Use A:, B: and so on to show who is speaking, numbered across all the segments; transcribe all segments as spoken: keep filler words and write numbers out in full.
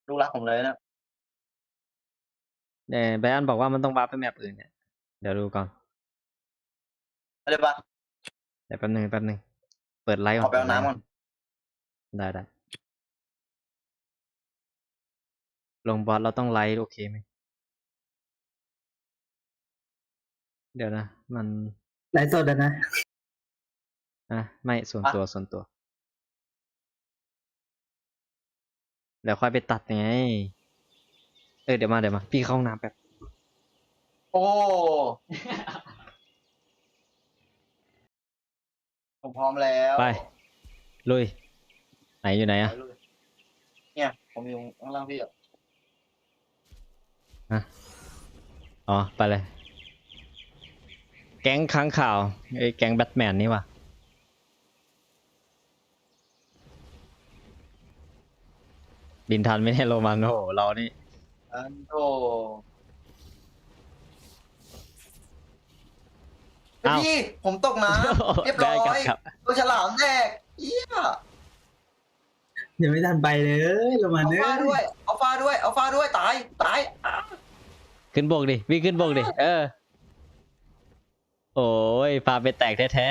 A: ลูกรักผมเลยนะ
B: แต่ไบรอันบอกว่ามันต้องวาร์ปไปแมปอื่นเนี่ยเดี๋ยวดูก่อน
A: อะไรปะ
B: เดี๋ยวแป๊บนึงแป๊บนึงเปิดไลฟ์
A: ข
B: ก่อ
A: อน ไปเอาน้ำก่อน
B: ได้ได้ลงบอสเราต้องไลฟ์โอเคไหมเดี๋ยวนะมัน
C: ไลฟ์สดอะนะ
B: อ่ะไม่ส่วนตัวส่วนตัวเดี๋ยวค่อยไปตัดไงเออเดี๋ยวมาเดี๋ยวมาพี่เข้าห้องน้ำแป๊บ
A: โอ้ผมพร้อมแล้ว
B: ไปลุยไหนอยู่ไหน
A: ไป
B: อ่ะ
A: เลยเนี่ยผมอยู่ข้างล่างพี่อ่ะ
B: ฮะอ๋อไปเลย แก๊งค้างข่าวไอ้แก๊งแบทแมนนี่ว่ะบินทันไม่ได้โรมันโอ้โหเรานี่
A: อันโตพี่ผมตกน้ำเรียบร้อย
B: ได้ครับ
A: ตัวฉลามแตกเอี้ย
C: เดี๋ยวไม่ทันไปเลยลงมา
A: เอา
C: เนื้อ
A: ฟ้าด้วยเอาฟ้าด้วยเอาฟ้าด้วยตายตายอ่ะ
B: ขึ้นบกดิวิ่งขึ้นบกดิเออโอ้ยพาไปแตกแท้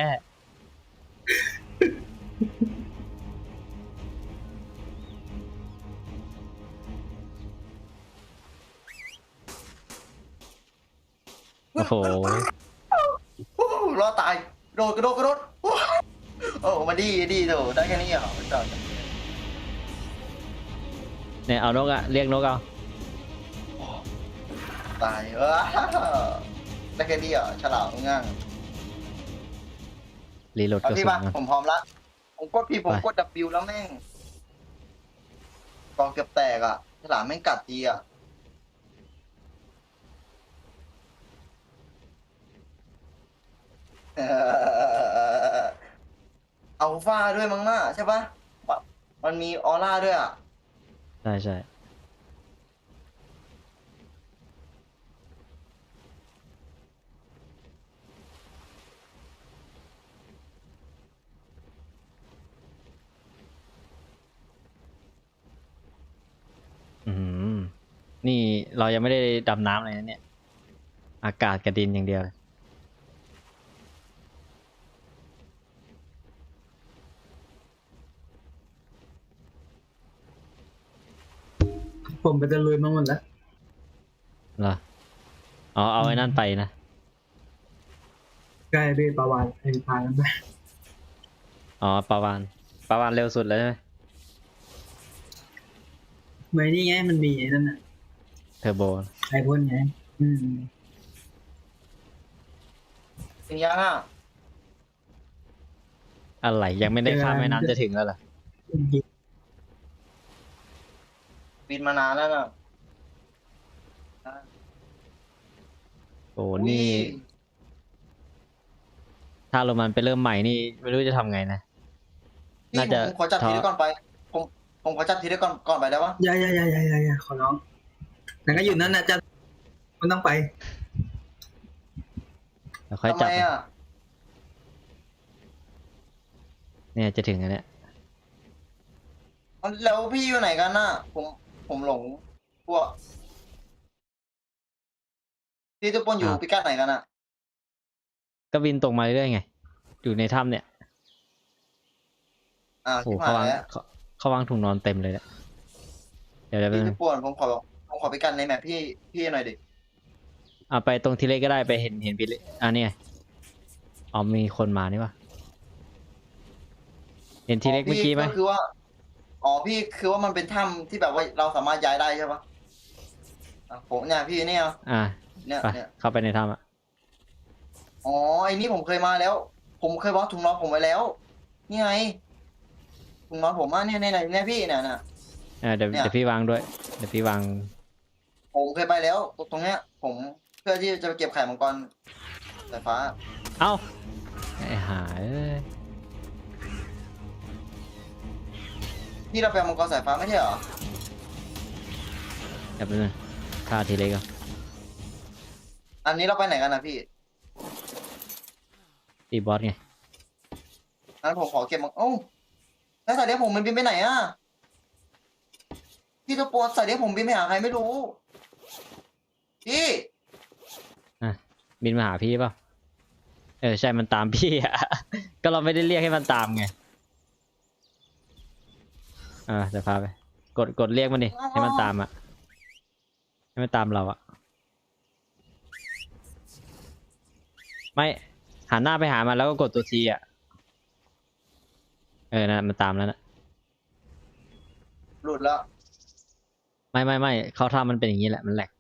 B: ๆโอ้โห
A: โอ้รอดตายโดดกระโดดกระโดดโอ้โอ้มาดีดีโดได้แค่นี้เหรอจอด
B: เนี่ยเอานกอะเรียกนกเอา
A: ตายเออได้แค่นี้เหรอฉลามง่าง
B: รีโหลด
A: เอา
B: กระ
A: พี่
B: สุน
A: มา
B: ก่อน
A: ผมพร้อมละผมกดพี่ผม
B: ไป
A: กด W แล้วแม่งกองเกือบแตกอ่ะฉลามแม่งกัดทีอ่ะเออเอาฟ้าด้วยมั้งน่าใช่ปะมันมีออร่าด้วยอ่ะ
B: ใช่ใช่อืมนี่เรายังไม่ได้ดำน้ำเลยนะเนี่ยอากาศกับดินอย่างเดียวเลย
C: ผมไปตะลุยมาหมดแล้ว
B: เหรออ๋อเอาไอ้นั่นไปนะ
C: ใกล้เบปาวานไอ้พากันไป
B: อ๋อปาวานปาวานเร็วสุดแล้วใช่ไหม
C: เมื่อนี่ไงมันมีไอ้นั่นน่ะ
B: เทอร์โบ
C: ไอพ่นไงอืม
A: ถึงยังอ่ะ
B: อะไรยังไม่ได้ข้ามแม่น้ำจะถึงแล้วเหรอ
A: บินมานานแล้วน่ะ
B: โอ้นี่ ถ้าโรมันไปเริ่มใหม่นี่ไม่รู้จะทำไงนะ
A: พี่
B: น่าจะ
A: ผมขอจับทีได้ก่อนไป ผมผมขอจับทีได้ก่อนก่อนไปได้ปะ
C: อย่าอย่าอย่าอย่าอย่าอย่าขอร้องแต่ก็อยู่นั่นนะจะมันต้องไป
B: แล้วค่อย
A: ทำ
B: จั
A: ไม
B: บ
A: อ่ะ
B: เนี่ยจะถึงแล้วเนี่ย
A: แล้วพี่อยู่ไหนกันน่ะ ผมผมหลงพวกพี่ทุกคนอยู่
B: ครับ
A: พิกัดไหนกันอ่ะ
B: ก็บินตรงมาเรื่อยๆไง อยู่ในถ้ำเนี่ย
A: อ่า
B: โอ้
A: ชิบ
B: เขาาง
A: หายวแล้ว
B: เขาเขาวางถุงนอนเต็มเลยเนี่ยเดี๋ยวเดี๋ยว
A: พี่
B: ไป
A: ทุกคนผมขอผมขอพิกัดในแมพพี่พี่หน่อยดิ
B: เอาไปตรงทีเล็กก็ได้ไปเห็นเห็นพี่เล็กอ่ะเนี่ยอ๋อมีคนมานี่วะเห็นทีเล็กเมื่อกี้ไหม
A: ก็คือว่า อ๋อพี่คือว่ามันเป็นถ้ำที่แบบว่าเราสามารถย้ายได้ใช่ปะอ่ะผมเนี่ยพี่เนี่ย
B: อ่า
A: เนี่ย
B: ไป
A: เนี่ย
B: เข้าไปในถ้ำอ่ะ
A: อ๋อไอ้นี่ผมเคยมาแล้ว ผมเคยวางถุงนอนผมไว้แล้ว นี่ไงถุงนอนผมอ่ะเนี่ยเนี่ยเนี่ยพี่เนี่ยน่ะ
B: อ่าเดี๋ยว
A: เนี่ย
B: เดี๋ยวพี่วางด้วยเดี๋ยวพี่วาง
A: ผมเคยไปแล้วตรงตรงเนี้ย ผมเพื่อที่จะไปเก็บไข่มังกรสายฟ้า
B: เอ้าไอ้หาเอ้ย
A: ที่เราไปเอามังกรสายฟ้าไม่ใช่เหรอ
B: เดี๋ยวไปบนึงฆ่าทีเล็กก่อน
A: อันนี้เราไปไหนกันนะพี่
B: ตีบอสไง
A: งั้นผมขอเก็บมังโอ้าแล้วสายเลี้ยงผมมันบินไปไหนอ่ะพี่ตัวปวดใส่เดี๋ยวผมบินไปหาใครไม่รู้พี่
B: อ่ะบินมาหาพี่เปล่าเออใช่มันตามพี่อะ ก็เราไม่ได้เรียกให้มันตามไงอ่าเดี๋ยวพาไปกดกดเรียกมันดิให้มันตามอะให้มันตามเราอะไม่หันหน้าไปหามันแล้วก็กดตัวทีอะเออนะมันตามแล้วนะ
A: หลุดแล้ว
B: ไม่ไม่ไม่เขาทำมันเป็นอย่างนี้แหละมันแหลก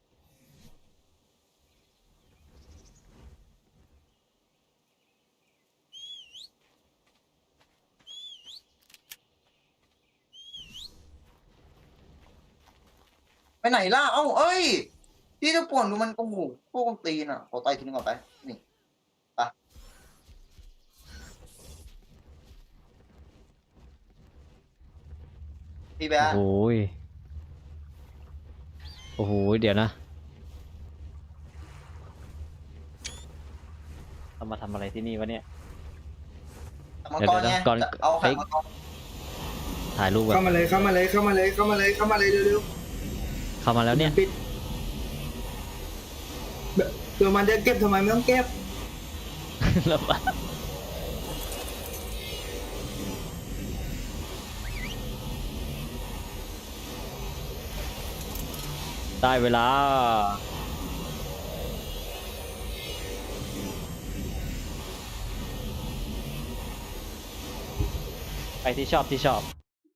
A: ไปไหนล่ะเอ้าเอ้ยพี่ตัวปวดดูมันโอ้โหพวกมันตีนอ่ะขอต่อยทีนึงก่อนไปนี่ไปพี่แบ๊
B: โอ้โหยโอ้โหยเดี๋ยวนะเรามาทำอะไรที่นี่วะเนี่ย
A: มังกรไง
B: เดี๋ยวๆก่อน
A: จะเอาไข่
B: เฮ้ย
A: มังกร
B: ถ่ายรูปแบบ
C: เข้ามาเลยเข้ามาเลยเข้ามาเลยเข้ามาเลยเข้ามาเลยเร็ว
B: เข้ามา
C: ๆ
B: แล้วเนี่ย
C: ปิดเดี๋ยวมันจะเก็บทำไมไม่ต้องเก็บ
B: แล้วปะได้เวลาไปที่ชอบที่ชอบ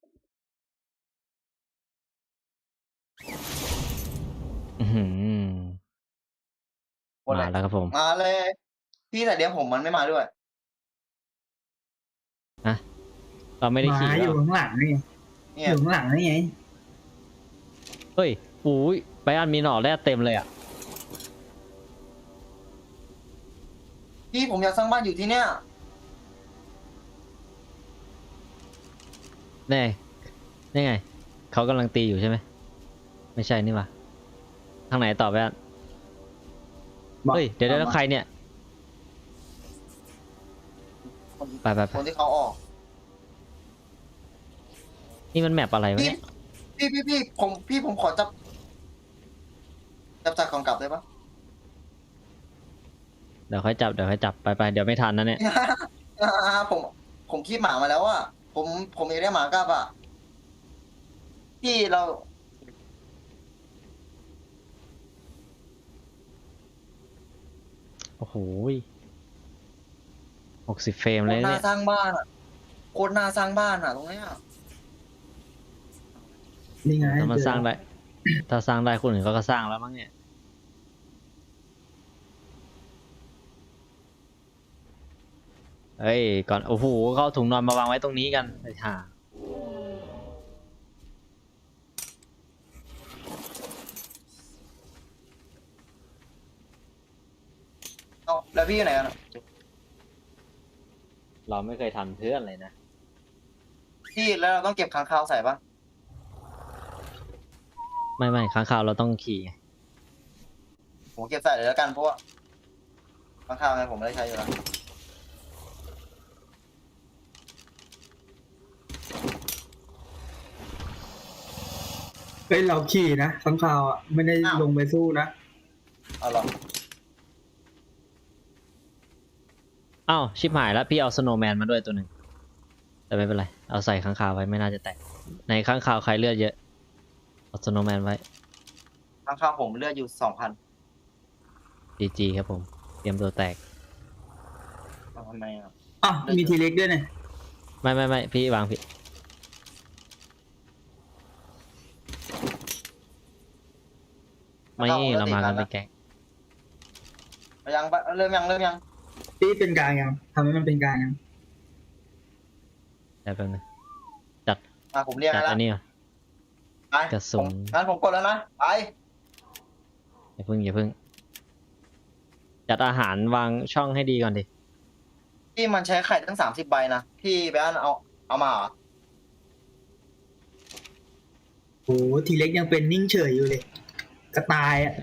B: อื้อหือ
A: หมดเล
B: มาย แล้วครับผม
A: มาเลย พี่แต่เดี๋ยวผมมันไม่มาด้วย
B: นะเราไม่ได้
C: หมา
B: ขี่
C: อ
B: แล้
C: ยู่
B: ว
C: ข้างหลังนี่ไง
A: เนี่
C: อย ยู่ข้างหลังนี่ไง
B: เฮ้ยอุ้ยไปอันมีหน่อแร่เต็มเลยอ่ะ
A: พี่ผมอยากสร้างบ้านอยู่ที่เนี้ย
B: แน่นี่ไง เขากำลังตีอยู่ใช่ไหม ไม่ใช่นี่หวะทางไหนต่อไปอัน
C: บอก
B: เฮ้ย เดี๋ยวเดี๋ยวแล้วใครเนี่ย
A: คน
B: ไปไปไป
A: คนที่เขาออก
B: นี่มันแมปอะไรวะ
A: พี่
B: เนี่ย
A: พี่พี่พี่ผมพี่ผมขอจับจับจากของกลับได้ปะ
B: เดี๋ยวค่อยจับ เดี๋ยวค่อยจับ ไปไปเดี๋ยวไม่ทันนะเนี่ย
A: อ่าผมผมคีบหมามาแล้วอ่ะผมผมอยากได้หมากลับอ่ะพี่เรา
B: โอ้โหหกสิบเฟรม
A: โค
B: เลย
A: ตรน่า
B: เนี่ย
A: สร้างบ้านอ่ะโคตรน่าสร้างบ้านอ่ะตรงเนี้ย
C: นี่ไง
B: ถ้ามันสร้างได้ ถ้าสร้างได้คนอื่นเขาก็สร้างแล้วมั้งเนี่ย เฮ้ย ก่อน โอ้โหเขาเอาถุงนอนมาวางไว้ตรงนี้กันไอ้ห่า
A: เอาแล้วพี่อยู่ไหนกันอะ
B: เราไม่เคยทันเพื่อนเลยนะ
A: พี่แล้วเราต้องเก็บค้างคาวใส่ปะ
B: ไม่ไม่ค้างคาวเราต้องขี่ไง
A: ผมเก็บใส่เลยแล้วกันเพราะว่าค้างคาวไงผมไม่ได้ใช้อยู่แล้ว
C: เฮ้ยเราขี่นะข้างคาวอ่ะไม่ได้ลงไปสู้นะ
A: เอาหรอ
B: อ้าวชิบหายแล้วพี่เอาสโนว์แมนมาด้วยตัวหนึ่งแต่ไม่เป็นไร เอาใส่ค้างคาวไว้ไม่น่าจะแตก ในค้างคาวใครเลือดเยอะ เอาสโนว์แมนไว้
A: ค้างคาวผมเลือดอยู่สองพัน
B: จีจีครับผม เตรียมตัวแตก
A: ทำไมอ่ะ
C: อ่ะมีทีเล็กด้วยเนี่ย
B: ไม่ไม่ไม่พี่วางผิด ไม่เรามากันเป็นแก๊ง
A: ยังปะเริ่มยังเริ่มยัง
C: ตีเป็นกลางยังทำให้มันเป็นกลางยัง
B: แต่เป็นง
A: อ่ะผมเรียก
B: จัด
A: ให้แล้ว
B: อันนี้ก่อน
A: ไป
B: กระสุน
A: ผมงั้นผมกดแล้วนะไป
B: อย่าพึ่งอย่าพึ่ง จัดอาหารวางช่องให้ดีก่อนดิ
A: พี่มันใช้ไข่ตั้งสามสิบใบนะพี่แบนเอาเอามาเหรอ
C: โอ้ทีเล็กยังเป็นนิ่งเฉยอยู่เลยกระต่ายอ่ะ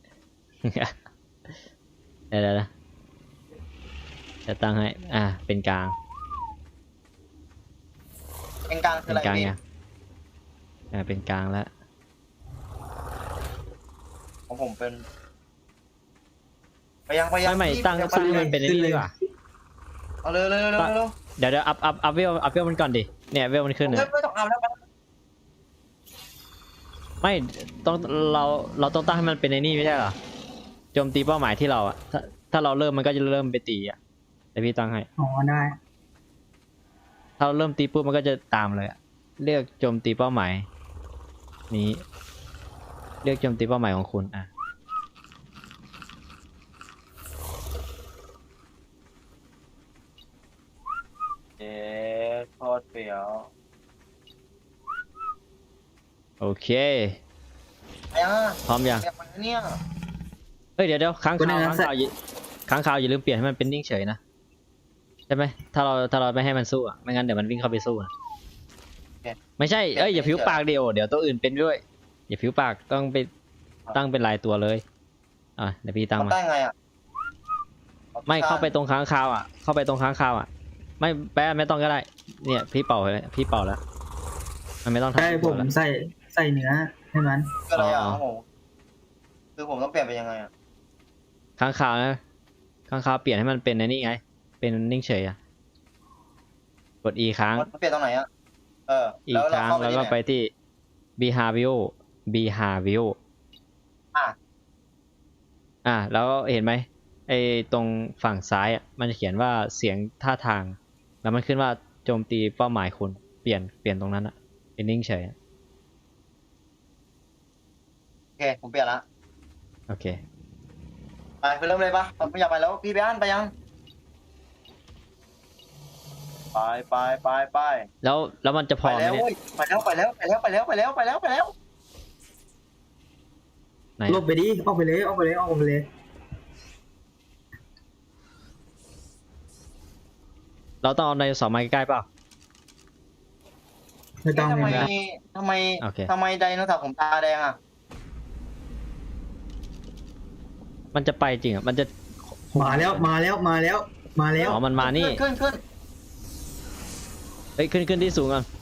B: เดี๋ยวเดี๋ยวนะจะตั้งให้ อ่า เป็นกลาง
A: เป็นกลางคือ
B: เป็
A: อะ
B: น
A: ไร
B: กลาง
A: พี่
B: เนี่ยอ่าเป็นกลางแล้ว
A: ของผมเป็นไปยังไปยัง
B: ไม่ไม่
A: พี่
B: ตั้ง
A: ยัง
B: ตั้ง
A: ไป
B: ให้มันเป็นไอ้นี่ดีกว่า
A: เอาเลยเลยเลยเลยเลย
B: เดี๋ยวเดี๋ยวอัพอัพอัพเวลอัพเวลมันก่อนดิเนี่ยเวลมันขึ้น
A: ไม่
B: เนี่ย
A: ไม่ต้องเอาแล้ว
B: ไม่ต้องเราเราต้องตั้งให้มันเป็นไอ้นี่ไม่ใช่เหรอโจมตีเป้าหมายที่เราอะถ้าถ้าเราเริ่มมันก็จะเริ่มไปตีอะแต่พี่ตั้งให้
C: อ๋อได้
B: ถ้าเราเริ่มตีปุ๊บมันก็จะตามเลยอะเลือกโจมตีเป้าหมายนี้เลือกโจมตีเป้าหมายของคุณอ่ะ
A: เจ๊โคตรเปรี้ยว
B: โอเค
A: ไปยัง
B: พร้อมยัง
A: ไปยังเนี่ย
B: เฮ้ยเดี๋ยวเดี๋ยวค้างคาวค้างคาวอย่าค้างคาวอย่าลืมเปลี่ยนให้มันเป็นนิ่งเฉยนะใช่ไหมถ้าเราถ้าเราไม่ให้มันสู้อะไม่งั้นเดี๋ยวมันวิ่งเข้าไปสู้นะไม่ใช่เอ้ยอย่าผิวปากเดียวเดี๋ยวตัวอื่นเป็นด้วยอย่าผิวปากต้องไปตั้งเป็นลายตัวเลยอ่ะเดี๋ยวพี่ตั้ง
A: มัน
B: มา
A: ได้ไงอ่ะ
B: ไม่เข้าไปตรงค้างคาวอ่ะเข้าไปตรงค้างคาวอ่ะไม่แป๊ะไม่ต้องก็ได้เนี่ยพี่เป่าเลยพี่เป่าแล้วมันไม่ต้องทำ
C: ใช่ผม
B: แล้ว
C: ใส่ใส่เนื้อให้มัน
A: คืออะไรอ่ะ
B: อ๋อ
A: ของผมคือผมต้องเปลี่ยนไปยังไงอ่ะ
B: ค้างคาวนะค้างคาวเปลี่ยนให้มันเป็นไอ้นี่ไงเป็นนิ่งเฉยอ่ะกด E ค้าง
A: มันเปลี่ยนตรงไหนอ่ะเออ
B: อี
A: แล้
B: ก
A: ว
B: ค
A: เรา
B: รั้ง
A: เข้าไป
B: แล้ว
A: ที่
B: ก็
A: ไหน
B: ไปที่ behavior behavior
A: อ่ะ
B: อ่ะแล้วเห็นไหมไอ้ตรงฝั่งซ้ายอ่ะมันจะเขียนว่าเสียงท่าทางแล้วมันขึ้นว่าโจมตีเป้าหมายคุณเปลี่ยนเปลี่ยนตรงนั้นอ่ะเป็นนิ่งเฉยอะ
A: โอเคผมเปลี่ยนละ
B: โอเค
A: ไปคือเริ่มเลยปะไม่อยากไปแล้วพี่ไปอ่านไปยังไปไปไปไป
B: แล้วแล้วมันจะพ
A: ไป
B: อไหม
A: แล้ว
B: เนี่ย
A: เว้ยไปแล้วไปแล้วไปแล้วไปแล้วไปแล้วไปแล้วไปแล้ว
B: ไหน
C: ลบไปดิออกไปเลยออกไปเลยออกไปเลย
B: เราต้องเอาไดโนเสาร์มาใกล้ๆเปล่า
C: ไม่ต้อง
A: ทำไม
C: เลยนะ
A: ทำไม
B: โอเค
A: ทำไมไดโนเสาร์ผมตาแดงอ่ะ
B: มันจะไปจริงอ่ะมันจะ
C: มาแล้วมาแล้วมาแล้วมาแล้ว
B: อ๋อมันมานี่
A: ขึ้นขึ้น
B: เฮ้ยขึ้นขึ้นที่สูงก่อน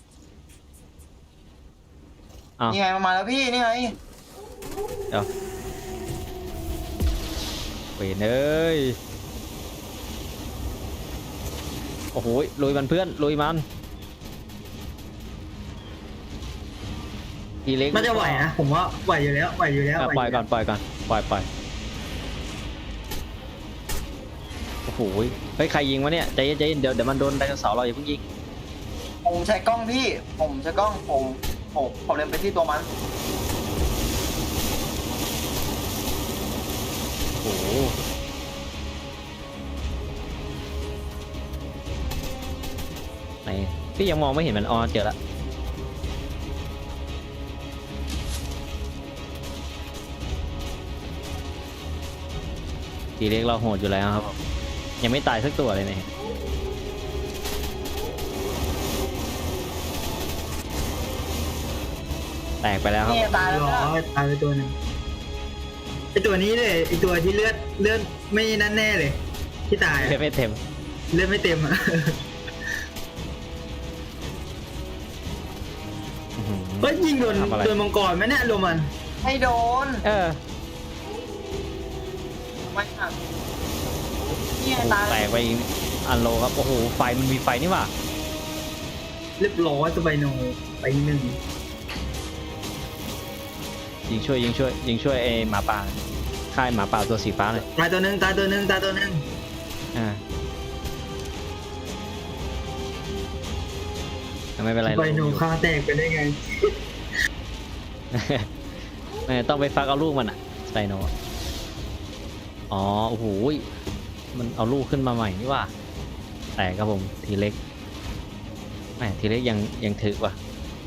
B: อ้าว
A: นี่ไงมันมาแล้วพี่นี่ไง
B: เดี๋ยวเว้ยเอ้ยโอ้โหลุยมันเพื่อนลุยมันทีเล็ก
C: มันจะไหวนะผมว่าไหวอยู่แล้วไหวอยู่แล้ว
B: อ่ะ
C: ไหว
B: ปล่อย
C: ยู่
B: ก่
C: แล้
B: อ
C: วน
B: ปล่อยก่อนปล่อยปล่อยโอ้โหเฮ้ยใครยิงวะเนี่ยใจเย็นใจเย็นเดี๋ยวเดี๋ยวมันโดนไดโนเสาร์เราอย่าเพิ่งยิง
A: ผมใช้กล้องพี่ ผมใช้กล้องผมผมผมเล็งไปที่ตัวมัน
B: โอ้โหไหนพี่ยังมองไม่เห็นมันอ๋อเจอละทีเล็กเราโหดอยู่แล้วครับผมยังไม่ตายสักตัวเลยเนี่ยแตกไปแล้วครับ
A: นี่ตายแล้ว
C: รอ
A: นะ
C: ตายไปตัวหนึ่งไอตัวนี้เลยไอตัวที่เลือดเลือดไม่นั่นแน่เลย ที่ตาย
B: เลือดไม่เต็ม
C: เลือดไม่เต็มอ่ะ
B: อื้อหือ
C: เฮ้ยยิงโดน
B: ทำอะไร
C: โดนมังกรไหมเนี่ยโรมัน
A: ไม่โดน
B: เออ
A: ไม่หักนี่ไง
B: โอ้โห
A: ตาย
B: แตกไปอีกอันโลครับโอ้โหไฟมันมีไฟนี่หว่า
C: เรียบร้อยสบายโนไปหนึ่ง
B: ยิงช่วยยิงช่วยยิงช่วยไอหมาป่าค่ายหมาป่าตัวสีฟ้าเลย
C: ตายตัวหนึ่งตายตัวหนึ่งตายตัวหนึ่ง
B: อ่าไม่เป็นไร
C: สบายโน
B: เราอยู่
C: ฆ่าแตกไปได้ไง
B: เออต้องไปฟักเอาลูกมันอะสไปโนอะอ๋อโอ้โหมันเอาลูกขึ้นมาใหม่นี่ว่าแต่ครับผมทีเล็กแหมทีเล็กยังยังถึกว่ะ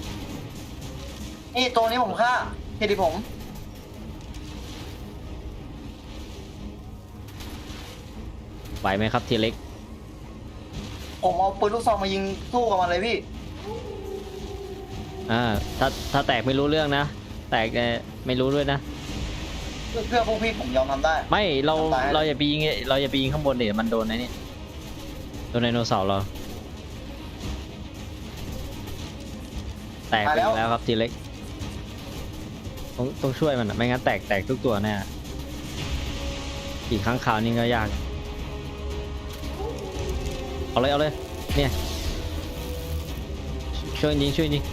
A: นี่ตัวนี้ผมฆ่าเครดิตผม
B: ไหวไหมครับทีเล็ก
A: ผมเอาปืนลูกซองมายิงสู้กับมันเลยพี่
B: อ่าถ้าถ้าแตกไม่รู้เรื่องนะแตกเอ่อไม่รู้ด้วยนะ
A: เพื่อเพื่อพวกพี่ผมยอมทำได้
B: ไม่เรา
A: ทำได้
B: เราอย่าไปยิงเราอย่าไปยิงข้างบนเดี๋ยวมันโดนไอ้นี่โดนไดโนเสาร์เราแตกไปอีกแล้วครับทีเล็กต้องต้องช่วยมันอะไม่งั้นแตกแตกทุกตัวแน่อีกครั้งข่าวนี่ก็ยากเอาเลยเอาเลยเนี่ยช่วยยิงช่วยยิง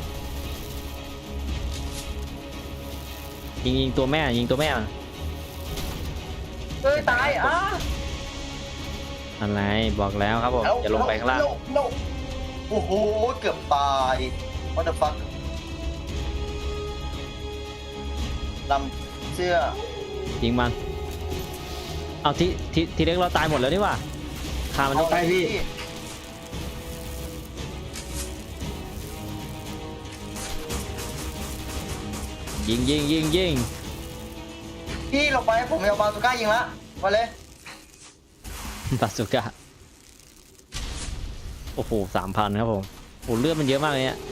B: ยิงยิงตัวแม่ยิงตัวแม่มัน
A: เอ้ยตายอ่ะ
B: อะไรบอกแล้วครับผมอย่าลงไปข้างล่าง
A: no, no. โอ้โหเกือบตาย what the fuck ลำเสื้อ
B: ยิงมันเอาทีทีทีเล็กเราตายหมดแล้วนี่หว่าฆ่ามันต้อง
C: ไปพี่
B: ยิงยิงยิงยิง
A: พี่ลงไปผมเอาบาซูก้ายิงละมาเลย
B: บาสุก้าโอ้โหสามพันครับผมโอ้เลือดมันเยอะมากเลยเนี่ย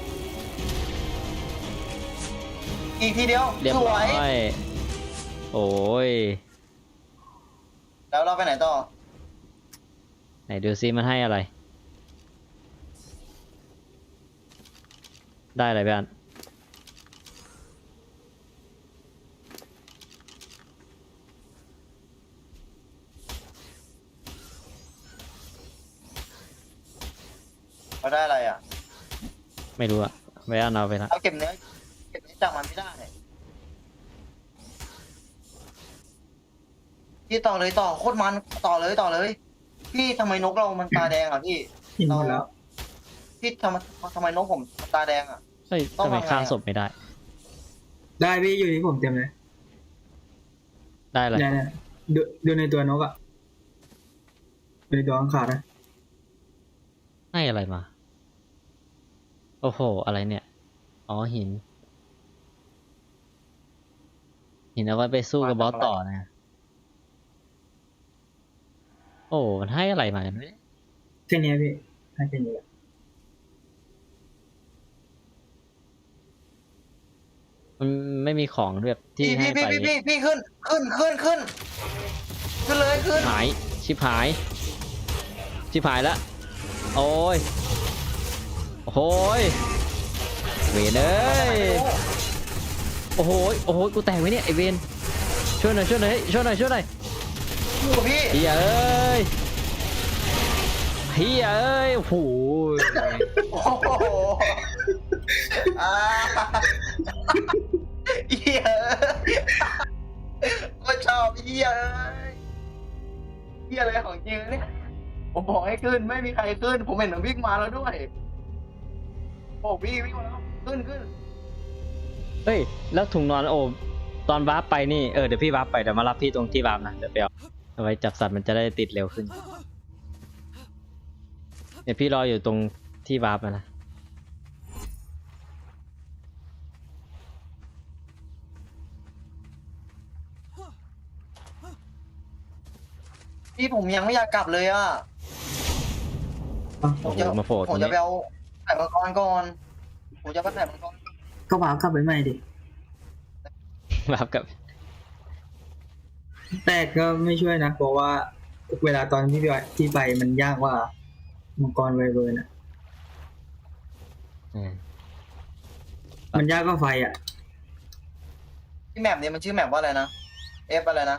A: อีกทีเดียว
B: เรียบ
A: สว
B: ร้อย ยโอ้ย
A: แล้วเราไปไหนต่อ
B: ไหนดูซิมันให้อะไร ได้อะไรบ้าง
A: เราได้อะไรอ่ะ
B: ไม่รู้อะไว้เอาไปละ
A: เราเก็บเนื้อเก็บเนื้อจากมันไม่ได้พี่ต่อเลยต่อโคตรมันต่อเลยต่อเลย พี่ทำไมนกเรามันตาแดงอ่ะพี่
C: หินหมดแล้ว
A: พี่ทำไมทำไมนกผมตาแดงอ่ะ
B: เฮ้ย
A: ต้อง
B: ทำไม
A: ทำไงอะ
B: ฆ่าศพไม่ได้
C: ได้พี่อยู่ที่ผมเต็มเลย
B: ได้อะไร
C: เนี่ยเนี่ยดูดูในตัวนกอ่ะดูในตัวข้างขาดนะ
B: ให้อะไรมา โอ้โห อะไรเนี่ย อ๋อหิน หินเอาไว้ไปสู้กับบอสต่อนะ โอ้ มันให้อะไรมากันเนี่ย
C: แค่เนี้ยพี่ให้แค่นี้แหละ
B: มันไม่มีของแบบที่
A: พี่
B: ให้
A: พี่
B: ไป
A: พี่พี่พี่ขึ้นขึ้นขึ้นขึ้นขึ้นเลยขึ้น
B: หาย ชิบหาย ชิบหายแล้ว โอ้ย โอ้ยเวนเอ้ย โอ้โหโอ้โหกูแตกไหมเนี่ยไอเวนช่วยหน่อยช่วยหน่อยช่วยหน่อยช่วยหน่อย
A: อยู่กับพี่
B: เฮียเอ้ยเฮียเอ้ยโอ้โห
A: โอ้โหอ่าเหี้ยก็ชอบเหี้ยเหี้ยอะไรของจริงเนี่ยผมบอกให้ขึ้นไม่มีใครขึ้น ผมเห็นมันวิ่งมาแล้วด้วยโอ้พี่วิ่งมาแล้วขึ้นขึ้น
B: เฮ้ยแล้วถุงนอนโอ้ตอนวาร์ปไปนี่เออเดี๋ยวพี่วาร์ปไปเดี๋ยวมารับพี่ตรงที่วาร์ปนะเดี๋ยวไปเอาเอาไว้จับสัตว์มันจะได้ติดเร็วขึ้นเดี๋ยวพี่รออยู่ตรงที่วาร์ปนะ
A: พี่ผมยังไม่อยากกลับเลยอ่ะ
C: อ่ะ
A: ผ
B: โอ้
A: ม
B: โห
A: จะ
B: มาโผล่ต
A: ผ
B: ร
A: ม
B: ง
A: จะ
B: นี้
A: ไปเอาไข่มังกรก่อนผมจะไปไข่มังกร
C: ก็วาร์ปกลับไปใหม่ดิ
B: วาร์ปกับ
C: แต่ก็ไม่ช่วยนะเพราะว่าเวลาตอนที่ไปที่ไปมันยากกว่ามังกรไวเบิร์นอ่ะ
B: อืม
C: มันยากกว่าไฟอ่ะ
A: ที่แมปเนี่ยมันชื่อแมปว่าอะไรนะเอฟอะไรนะ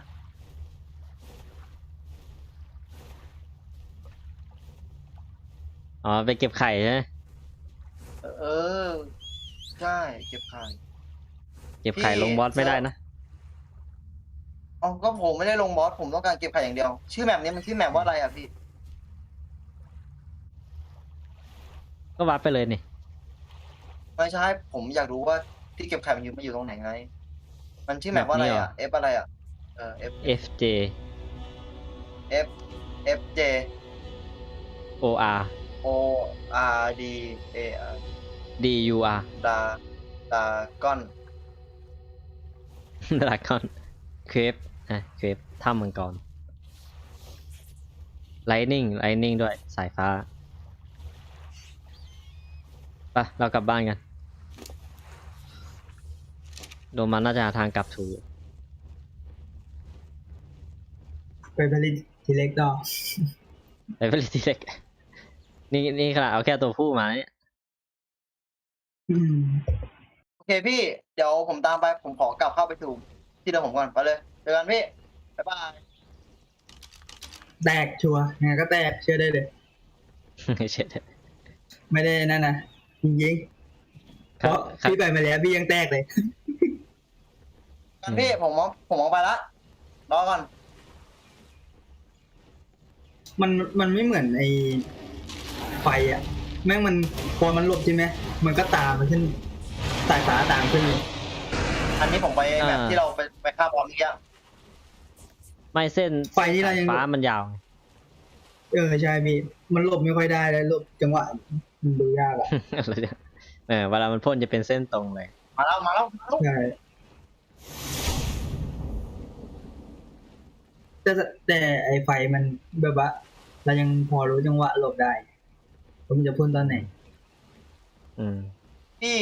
B: อ๋อไปเก็บไข่ใช่ไหม
A: เออใช่เก็บไข่
B: เก็บไข่ลงบอสไม่ได้นะ
A: อ๋อก็ผมไม่ได้ลงบอสผมต้องการเก็บไข่อย่างเดียว ชื่อแมปนี้มันชื่อแมปว่าอะไรอ่ะพี่
B: ก็วาร์ปไปเลยนี่
A: ไม่ใช่ผมอยากรู้ว่าที่เก็บไข่มันอยู่มันอยู่ตรงไหนไง มันชื่อแมปว่าอะไรอ่ะ F อะไรอ่ะเออ F
B: F J
A: F F J
B: O R
A: O R D A R
B: D U R
A: ดาดาก้อน
B: ดราก้อนเครปนะเครปถ้ำมังกรไลนิ่งไลนิ่งด้วยสายฟ้าไปเรากลับบ้านกันโดมันน่าจะหาทางกลับถูก
C: ไปผลิตทีเล็กต่อ
B: ไปผลิตทีเล็กนี่นี่ขนาดเอาแค่ตัวผู้มาเนี่ย
C: อืม
A: โอเคพี่เดี๋ยวผมตามไปผมขอกลับเข้าไปสู่ที่เดิมผมก่อนไปเลยเจอกันพี่บ๊ายบาย
C: แตกชัวร์ยังไงก็แตกเชื่อได้เลย
B: เช็ด
C: ไม่ได้นั่นนะจริงๆเพราะพี่ไปมาแล้วพี่ยังแตกเลย
A: กันพี่ผมมองผมมองไปละรอก่อน
C: มันมันไม่เหมือนไอ้ไฟอ่ะ แม่งมันพอมันหลบใช่ไหมมันก็ตามมันขึ้นสายฟ้าตามขึ้นเลย
A: อันนี้ผมไปแบบที่เราไปไปฆ่าบอลเมื่อกี้
B: ไม่เส้น
C: ไฟนี่เรายัง
B: ฟ้ามันยาวไง
C: เออใช่พี่มันหลบไม่ค่อยได้เลยหลบจังหวะมันดูยากอ่ะ
B: อะไรเนี่ยเออเวลามันพ่นจะเป็นเส้นตรงเลย
A: มาแล้วมาแล้วมาแล้ว
C: ใช่แต่แต่ไอ้ไฟมันแบบว่าเรายังพอรู้จังหวะหลบได้ผมนจะพ่นตอนไหน
B: อืม
A: พี่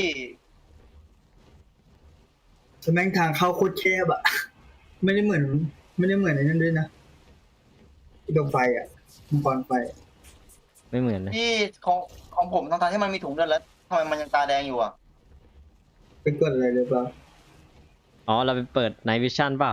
C: แต่แม่งทางเข้าโคตรแคบอ่ะ ไม่ได้เหมือน ไม่ได้เหมือนไอ้นั่นด้วยนะที่ดวงไฟอ่ะมังกรไฟ
B: ไม่เหมือนนะ
A: พี่ของของผมทั้งๆที่มันมีถุงเลือดแล้วทำไมมันยังตาแดงอยู่อ่ะ
C: เป็นกดอะไรหรือเปล่า
B: อ๋อเราไปเปิดไนท์วิชั่นเปล่า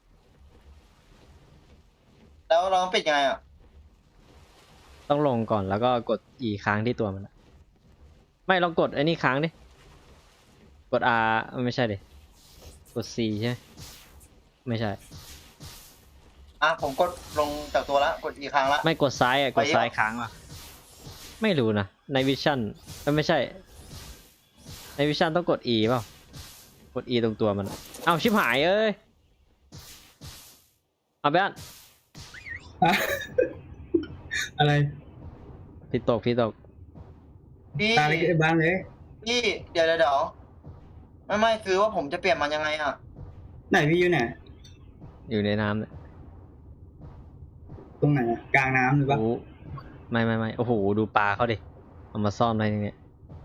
A: แล้วเราต้องปิดยังไงอ่ะ
B: ต้องลงก่อนแล้วก็กด E ค้างที่ตัวมันอะไม่ลองกดไอ้นี่ค้างดิ กด R ไม่ใช่ดิกด C ใช่ไหมไม่ใช่
A: อ่ะผมกดลงจากตัวละกดอีกครั้งละ
B: ไม่กดซ้ายอ่ะกด
A: ไปยัง
B: ซ้ายค้างอ่ะไม่รู้นะในวิชั่นไม่ใช่ในวิชั่นต้องกด E เปล่ากด E ตรงตัวมันอะเอ้าชิบหายเอ้ยเอาไปอ่ะ
C: อะ อะไร
B: พี่ตกพี่ตก
A: พี่
C: ตาเล็กไอ้บ้านเลย
A: พี่เดี๋ยวเดี๋ยวเดี๋ยวไม่ไม่คือว่าผมจะเปลี่ยนมันยังไงอ่ะ
C: ไหนพี่อยู่ไหน
B: อยู่ในน้ำเนี่ย
C: ตรงไหนอะกลางน้ำหรือเปล่า
B: โอ้ไม่ไม่ไม่โอ้โหดูปลาเขาดิเอามาซ่อนไว้ในเนี่ย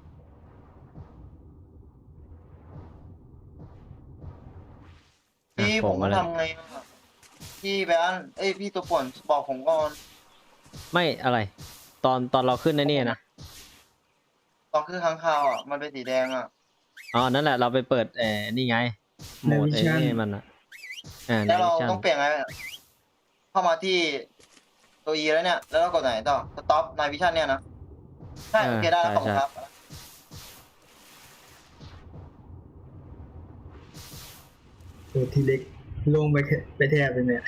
A: พี่
B: อ่ะ
A: ผ
B: โผม มาแล้ว
A: ทำไงอ่ะพี่แบนเอ้ยพี่ตัวป่วนบอกผมก่อน
B: ไม่อะไร ตอนตอนเราขึ้นในนี่นะ
A: ตอนคือค้างคาวอ่ะมันเป็นสีแดงอ่ะ
B: อ๋อนั่นแหละเราไปเปิดเอ่อนี่ไงโหมดไอ้นี่มันอ่ะอ่าใน
A: แล้วเรา
B: วิชั่น
A: ต้องเปลี่ยนไงอะเข้ามาที่ตัว E แล้วเนี่ย แล้วเรากดไหนต่อ stop night vision เนี่ยนะใช่โอเคได้แล้วขอบคุณครับ
C: ตัวทีเล็กลงไปแค่ไปแทบเลยเนี่ย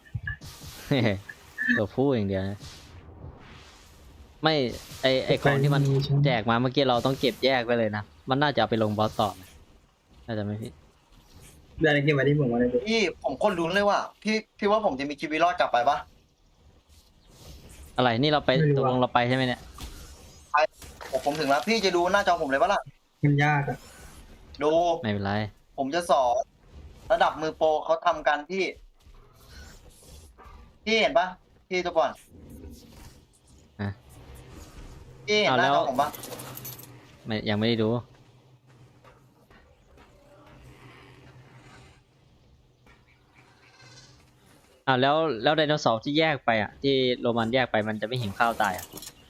B: ตัวผู้อย่างเดียวนะไม่ไอไอของที่มันแจกมาเมื่อกี้เราต้องเก็บแยกไปเลยนะมันน่าจะเอาไปลงบอสต่อนะน่าจะไม่ผิด
C: ได้เก็บไว้ที่ผมมาเลย
A: พี่ผมคนลุ้นเลยว่าพี่พี่ว่าผมจะมีชีวิตรอดกลับไปปะ
B: อะไรนี่เราไปตกลงเราไปใช่ไหมเนี่ย
A: ผมผมถึงแล้วพี่จะดูหน้าจอผมเลยปะล่ะ
C: มันยากอ่ะ
A: ดู
B: ไม่เป็นไร
A: ผมจะสอนระดับมือโปรเขาทำกันที่พี่เห็นปะพี่ตัวก่อน
B: อ่ะ
A: พี่เห็นหน้าจอผมปะ
B: ไม่ยังไม่ได้ดูอ่าแล้วแล้วไดโนเสาร์ที่แยกไปอ่ะที่โรมันแยกไปมันจะไม่หิวข้าวตายอ่ะ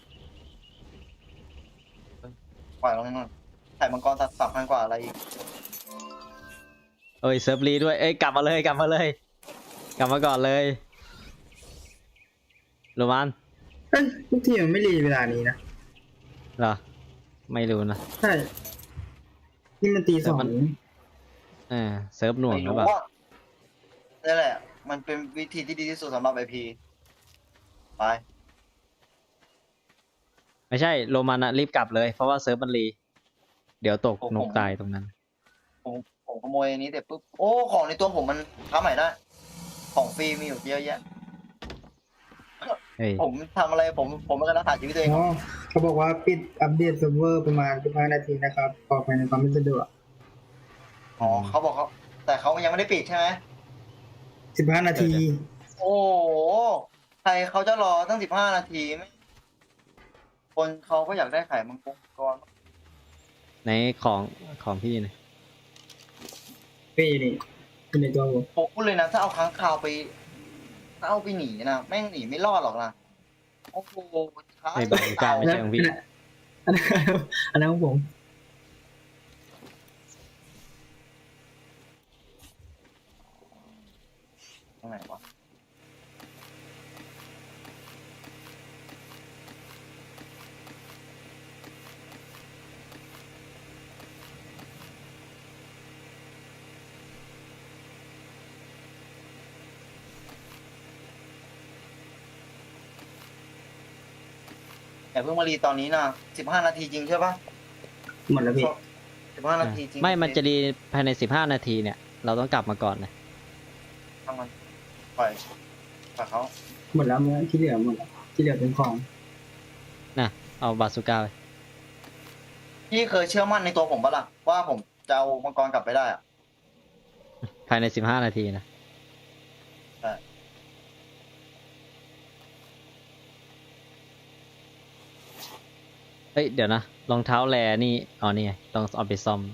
A: ปล่อยลงนั่นไข่มังกรตัดสับพันกว่าอะไรอีก
B: เอ้ยเซิร์ฟรีด้วยเอ้ยกลับมาเลยกลับมาเลย กลับมาก่อนเลยโรมัน
C: เอ้ยทุกทีมันไม่รีเวลานี้นะ
B: เหรอไม่รู้นะ
C: ใช่นี่มันตีสอง
B: แต่มัน เออเซิร์ฟหน่วง
A: ไม่
B: หรือ
A: รู้
B: เปล่า
A: ว่านี่นแหละ มันเป็นวิธีที่ดีที่สุดสำหรับไอพีไป
B: ไม่ใช่โรมันอะรีบกลับเลยเพราะว่าเซิร์ฟมันรีเดี๋ยวตก
A: ผม
B: นกตายตรงนั้น
A: ผมผมขโมยอันนี้เสร็จปุ๊บโอ้ของในตัวผมมันค้าใหม่ได้ ของฟรีมีอยู่เยอะแยะ
B: เฮ้ย
A: ผมทำอะไรผมผมไม่กระรักษาชีวิตตัวเอง
C: อ๋อเขาบอกว่าปิดอัปเดตเซิร์ฟเวอร์ประมาณสิบห้านาทีนะครับขอไปในความไม่สะดวก
A: อ๋อเขาบอกเขาแต่เขายังไม่ได้ปิดใช่ไหม
C: สิบห้านาที
A: โอ้โหใครเขาจะรอตั้งสิบห้านาทีไหมคนเขาก็อยากได้ไข่มังกรก่อน
B: ในของของพี่เนี่ย
C: พี่นี่เป็นในตัวผม
A: ผมพูดเลยนะถ้าเอาค้างคาวไปถ้าเอาไปหนีนะแม่งหนีไม่รอดหรอกนะโอ้โหท้า
B: ไม่บอกกล้าไม่ใช่ของพี่
C: อันนั้นอันนั้นของผม
A: ตรงไหนวะอย่าเพิ่งมารีตอนนี้นะสิบห้านาทีจริงใช่ปะ
C: หมดแล้วพี่
A: สิบห้านาทีจริง
B: ไม่มันจะรีภายในสิบห้านาทีเนี่ยเราต้องกลับมาก่อนนะ
A: ทำมันปล่อยปล่อยเขา
C: หมดแล้วเมื่อที่เหลือหมดแล้วที่เหลือเป็นของ
B: นะเอาบาซูก้าไป
A: พี่เคยเชื่อมั่นในตัวผมปะล่ะว่าผมจะเอามังกรกลับไปได้อะ
B: ภายในสิบห้านาทีนะ
A: ใช่
B: เฮ้ยเดี๋ยวนะรองเท้าแลนี่อ๋อนี่ไงต้องเอาไปซ่อม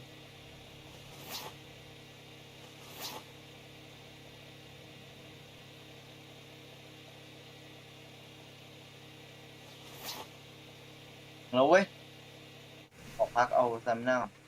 A: แล้วเว้ยขอพักเอาแซมหน้าก่อน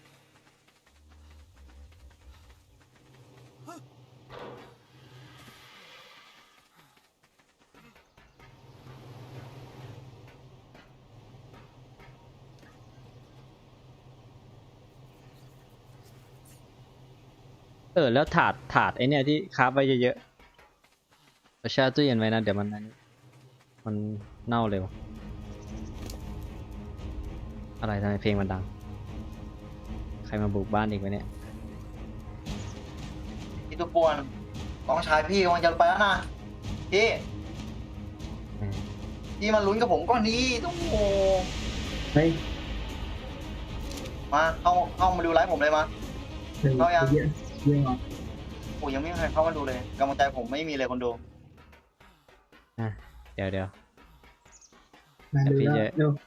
B: เออแล้วถาดถาดไอเนี่ยที่คราฟไว้เยอะๆเราแช่ตู้เย็นไว้นะเดี๋ยวมันนั้นมันเน่าเร็วอะไรทำไมเพลงมันดังใครมาบุกบ้านอีกวะเนี่ย
A: พี่ตุกปวนน้องชายพี่กำลังจะไปแล้วนะพี่
B: อืม
A: พี่มาลุ้นกับผมก่อนนี้ต้องโอ้
C: เฮ้ย
A: มาเข้าเข้ามาดูไลฟ์ผมเลยมา
C: เป็น
A: เอายัง
C: เยอะเยอะเหรอ
A: โอ้ยังไม่มีใครเข้ามาดูเลยกำลังใจผมไม่มีเลยคนดู
B: อ่ะเดี๋ยวเดี๋ยว
C: มาดูแล้ว
B: เยอะ
C: เร็ว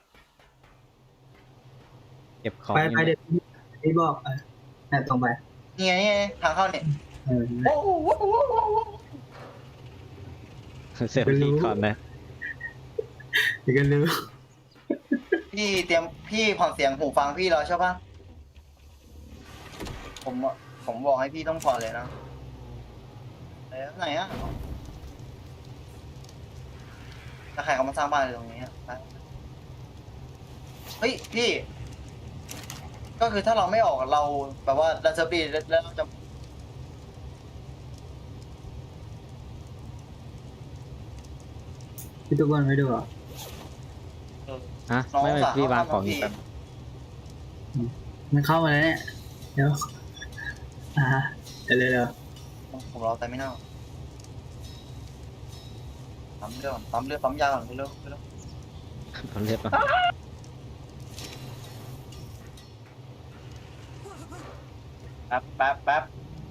B: เก็บของ
C: ไป
B: อยู่
C: ไปเดี๋ยวพี่บอกเออแต่ตรงไป
A: นี่ไงนี่ไงทางเข้าเนี่ย
C: เออ
A: โอ้โหโอ้โหโอ้โห
B: เซฟตี้ก่อนนะ
C: เดี๋ยวกันรู้
A: พี่เตรียมพี่ผ่อนเสียงหูฟังพี่แล้วใช่ปะผมอะผมบอกให้พี่ต้องผ่อนเลยนะไหนไหนอะถ้าใครเขามาสร้างบ้านเลยตรงนี้อะไปเฮ้ยพี่ ก็คือถ้าเราไม่ออกเราแบบว่าเราจะปีแล้วเราจะ
C: พี่ทุกคนไม่ดูเหรอ
A: เออ
B: ฮะ
A: น้อง
B: ไม่ไม่
A: สาว
B: พี่วาง
A: เขา
B: ของ
A: ทำ
B: อยู่
A: พี่
B: แป๊บ
C: มันเข้ามาแล้วเนี่ยเดี๋ยวอ่าเดี๋ยวเร็ว
A: ผมรอแต่ไม่น่าปั๊มเลือดก่อนปั๊มเลือดปั๊มยาก่อนเร็วๆเร็ว
B: ผมเรียบร้อย
A: ๆแป๊บแป๊บแป๊บ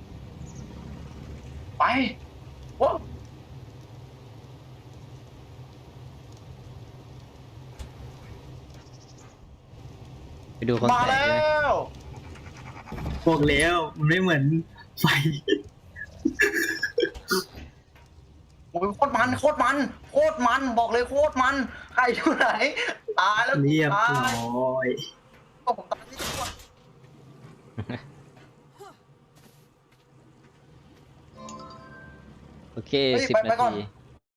A: ไปว้าว
B: ไปดูคน
A: มา
B: แตก
A: แล้
B: เลย
A: ว
C: ๆบอกแล้วมันไม่เหมือนไฟ
A: โอ้ยโคตรมันโคตรมันโคตรมันบอกเลยโคตรมันใครอยู่ไหนตายแล้ว
C: เรียบ
A: ตา
C: ร้
A: ย
C: อย
A: ก็ผมตายที่ตัว
B: โอเค
A: เฮ้ย
B: สิบ
A: ไปไป
B: นา
A: ก่อน
B: ที